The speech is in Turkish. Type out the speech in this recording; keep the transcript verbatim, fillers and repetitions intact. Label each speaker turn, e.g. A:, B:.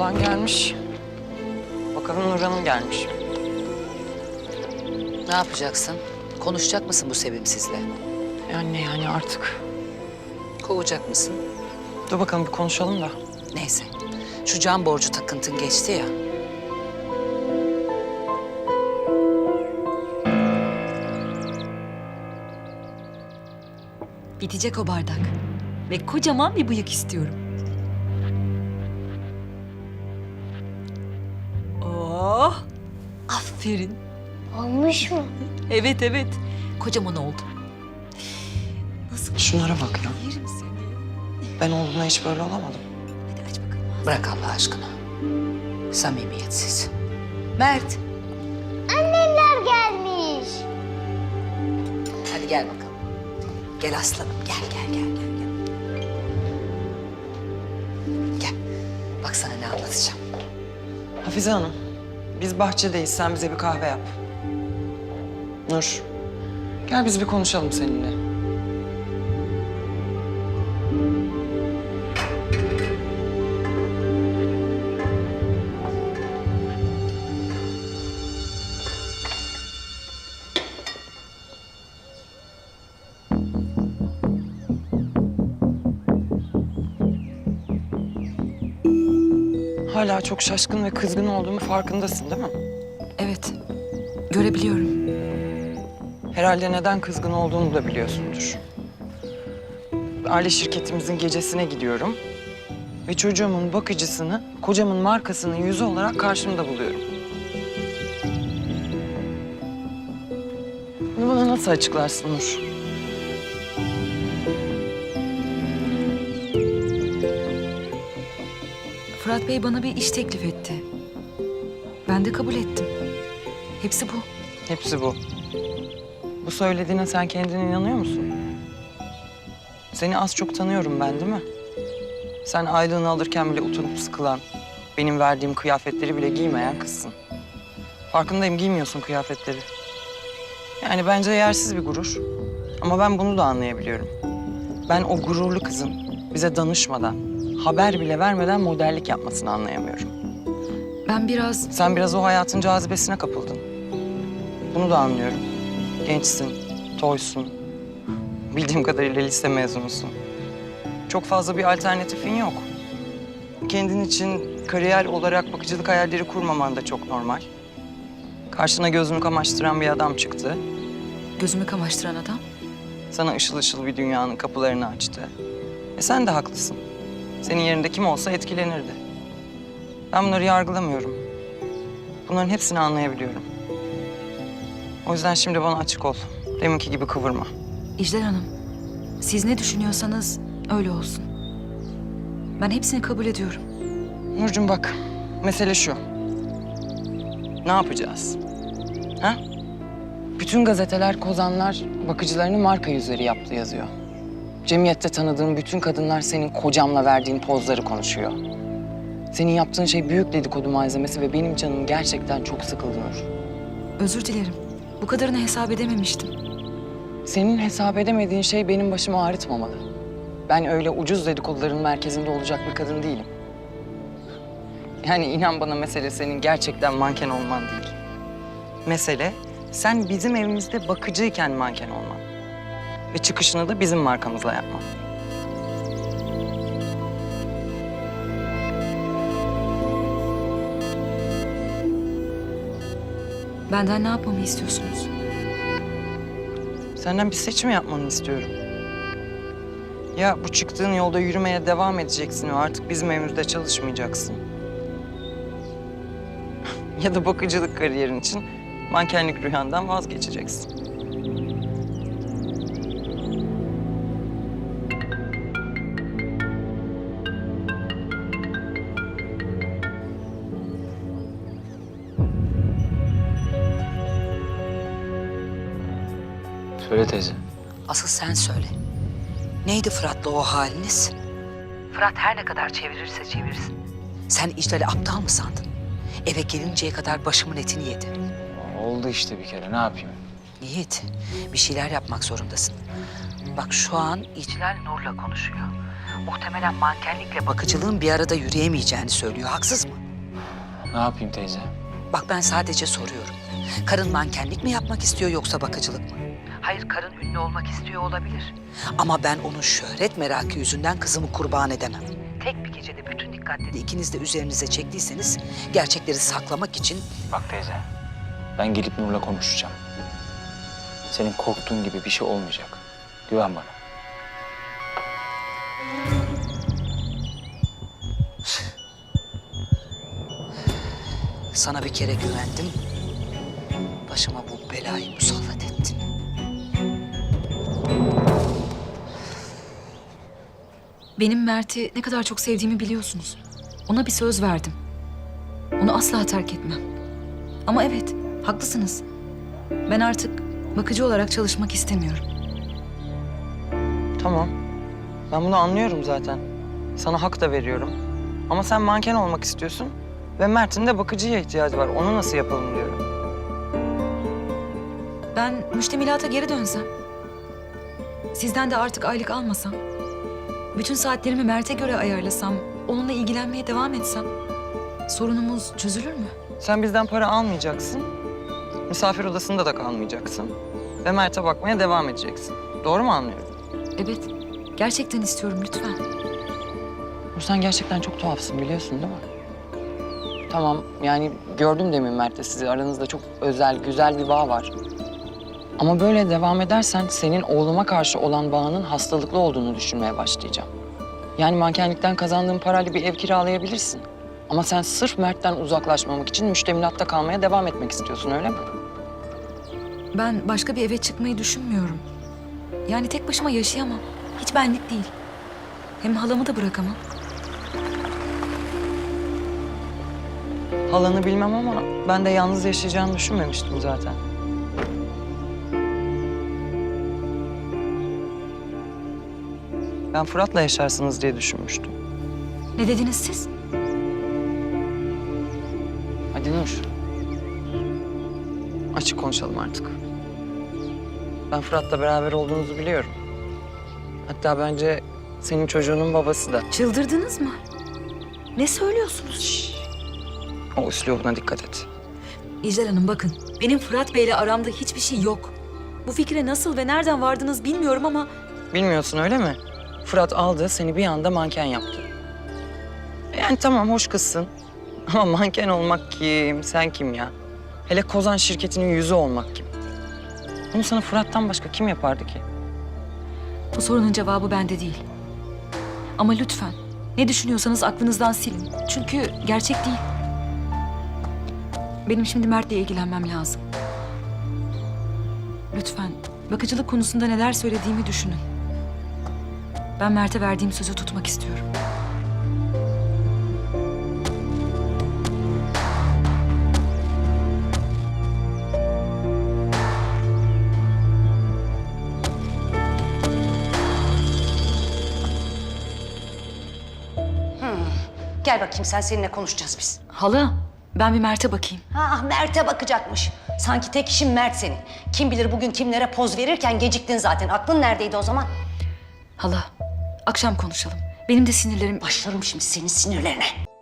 A: Olan gelmiş. Bakalım Nur Hanım gelmiş.
B: Ne yapacaksın? Konuşacak mısın bu sevimsizle?
A: E anne yani artık.
B: Kovacak mısın?
A: Dur bakalım bir konuşalım da.
B: Neyse. Şu can borcu takıntın geçti ya.
C: Bitecek o bardak. Ve kocaman bir bıyık istiyorum. Oh! Aferin.
D: Olmuş mu?
C: Evet evet. Kocaman oldu. Nasıl
A: Şunlara bak ya.
C: yerim seni.
A: Ben olduğumda hiç böyle olamadım.
C: Hadi aç bakalım.
B: Bırak Allah aşkına. Samimiyetsiz. Mert,
D: Annemler gelmiş.
B: hadi gel bakalım. Gel aslanım, gel gel gel gel. Gel. Gel. Bak sana ne anlatacağım.
A: Hafize Hanım, biz bahçedeyiz. Sen bize bir kahve yap. Nur, gel biz bir konuşalım seninle. Hala çok şaşkın ve kızgın olduğumu farkındasın değil mi?
C: Evet. Görebiliyorum.
A: Herhalde neden kızgın olduğunu da biliyorsundur. Aile şirketimizin gecesine gidiyorum. Ve çocuğumun bakıcısını, kocamın markasının yüzü olarak karşımda buluyorum. Bunu bana nasıl açıklarsın Nur?
C: Fırat Bey bana bir iş teklif etti. Ben de kabul ettim. Hepsi bu.
A: Hepsi bu. Bu söylediğine sen kendine inanıyor musun? Seni az çok tanıyorum ben değil mi? Sen aylığını alırken bile utanıp sıkılan, benim verdiğim kıyafetleri bile giymeyen kızsın. Farkındayım, giymiyorsun kıyafetleri. Yani bence yersiz bir gurur. Ama ben bunu da anlayabiliyorum. Ben o gururlu kızın bize danışmadan, haber bile vermeden modellik yapmasını anlayamıyorum.
C: Ben biraz...
A: Sen biraz o hayatın cazibesine kapıldın. Bunu da anlıyorum. Gençsin, toysun. Bildiğim kadarıyla lise mezunusun. Çok fazla bir alternatifin yok. Kendin için kariyer olarak bakıcılık hayalleri kurmaman da çok normal. Karşına gözünü kamaştıran bir adam çıktı.
C: Gözümü kamaştıran adam.
A: Sana ışıl ışıl bir dünyanın kapılarını açtı. E sen de haklısın. Senin yerinde kim olsa etkilenirdi. Ben bunları yargılamıyorum. Bunların hepsini anlayabiliyorum. O yüzden şimdi bana açık ol. Deminki gibi kıvırma.
C: İclal Hanım, siz ne düşünüyorsanız öyle olsun. Ben hepsini kabul ediyorum.
A: Nurcuğum bak, mesele şu. Ne yapacağız? Ha? Bütün gazeteler, kozanlar bakıcılarını marka yüzleri yaptı yazıyor. Cemiyette tanıdığım bütün kadınlar senin kocamla verdiğin pozları konuşuyor. Senin yaptığın şey büyük dedikodu malzemesi ve benim canım gerçekten çok sıkıldı Nur.
C: Özür dilerim. Bu kadarını hesap edememiştim.
A: Senin hesap edemediğin şey benim başımı ağrıtmamalı. Ben öyle ucuz dedikoduların merkezinde olacak bir kadın değilim. Yani inan bana mesele senin gerçekten manken olman değil. Mesele sen bizim evimizde bakıcıyken manken olman. Ve çıkışını da bizim markamızla yapman.
C: Benden ne yapmamı istiyorsunuz?
A: Senden bir seçim yapmanı istiyorum. Ya bu çıktığın yolda yürümeye devam edeceksin ve artık bizim evimizde çalışmayacaksın. Ya da bakıcılık kariyerin için mankenlik rüyandan vazgeçeceksin.
E: Söyle teyze.
B: Asıl sen söyle. Neydi Fırat'la o haliniz? Fırat her ne kadar çevirirse çevirsin. Sen İclal'i aptal mı sandın? Eve gelinceye kadar başımın etini yedi.
E: Oldu işte bir kere, ne yapayım?
B: Yiğit, bir şeyler yapmak zorundasın. Bak şu an İclal Nur'la konuşuyor. muhtemelen mankenlikle bakıcılığın bir arada yürüyemeyeceğini söylüyor. Haksız mı?
E: Ne yapayım teyze?
B: Bak ben sadece soruyorum. Karın mankenlik mi yapmak istiyor yoksa bakıcılık mı? Hayır, karın ünlü olmak istiyor olabilir. Ama ben onun şöhret merakı yüzünden kızımı kurban edemem. Tek bir gecede bütün dikkatleri ikiniz de üzerinize çektiyseniz gerçekleri saklamak için...
E: Bak teyze, ben gelip Nur'la konuşacağım. Senin korktuğun gibi bir şey olmayacak. Güven bana.
B: Sana bir kere güvendim. Başıma bu belayı musallat ettin.
C: Benim Mert'i ne kadar çok sevdiğimi biliyorsunuz. Ona bir söz verdim. Onu asla terk etmem. Ama evet, haklısınız. Ben artık bakıcı olarak çalışmak istemiyorum.
A: Tamam. Ben bunu anlıyorum zaten. Sana hak da veriyorum. Ama sen manken olmak istiyorsun. Ve Mert'in de bakıcıya ihtiyacı var. Onu nasıl yapalım diyorum.
C: Ben müştemilata geri dönsem, sizden de artık aylık almasam, bütün saatlerimi Mert'e göre ayarlasam, onunla ilgilenmeye devam etsem, sorunumuz çözülür mü?
A: Sen bizden para almayacaksın. Misafir odasında da kalmayacaksın. Ve Mert'e bakmaya devam edeceksin. Doğru mu anlıyorum?
C: Evet, gerçekten istiyorum lütfen.
A: Sen gerçekten çok tuhafsın biliyorsun değil mi? Tamam yani gördüm demin Mert'le sizi. Aranızda çok özel, güzel bir bağ var. Ama böyle devam edersen senin oğluma karşı olan bağının hastalıklı olduğunu düşünmeye başlayacağım. Yani mankenlikten kazandığın parayla bir ev kiralayabilirsin. Ama sen sırf Mert'ten uzaklaşmamak için müştemilatta kalmaya devam etmek istiyorsun öyle mi?
C: Ben başka bir eve çıkmayı düşünmüyorum. Yani tek başıma yaşayamam. Hiç benlik değil. Hem halamı da bırakamam.
A: Halanı bilmem ama ben de yalnız yaşayacağını düşünmemiştim zaten. Ben Fırat'la yaşarsınız diye düşünmüştüm.
C: Ne dediniz siz?
A: Hadi Nur. Açık konuşalım artık. Ben Fırat'la beraber olduğunuzu biliyorum. Hatta bence senin çocuğunun babası da.
C: Çıldırdınız mı? Ne söylüyorsunuz?
A: O üslubuna dikkat et.
C: İclal Hanım bakın, benim Fırat Bey'le aramda hiçbir şey yok. Bu fikre nasıl ve nereden vardınız bilmiyorum ama...
A: Bilmiyorsun öyle mi? Fırat aldı seni bir anda manken yaptı. Yani tamam hoş kızsın. Ama manken olmak kim? Sen kim ya? Hele Kozan şirketinin yüzü olmak kim? Bunu sana Fırat'tan başka kim yapardı ki?
C: Bu sorunun cevabı bende değil. Ama lütfen ne düşünüyorsanız aklınızdan silin. Çünkü gerçek değil. Benim şimdi Mert'le ilgilenmem lazım. Lütfen bakıcılık konusunda neler söylediğimi düşünün. Ben Mert'e verdiğim sözü tutmak istiyorum.
F: Gel bakayım sen seninle konuşacağız biz.
C: Hala, ben bir Mert'e bakayım.
F: Ha Mert'e bakacakmış. Sanki tek işin Mert senin. Kim bilir bugün kimlere poz verirken geciktin zaten. Aklın neredeydi o zaman?
C: Hala, akşam konuşalım. Benim de sinirlerim...
F: Başlarım şimdi senin sinirlerine.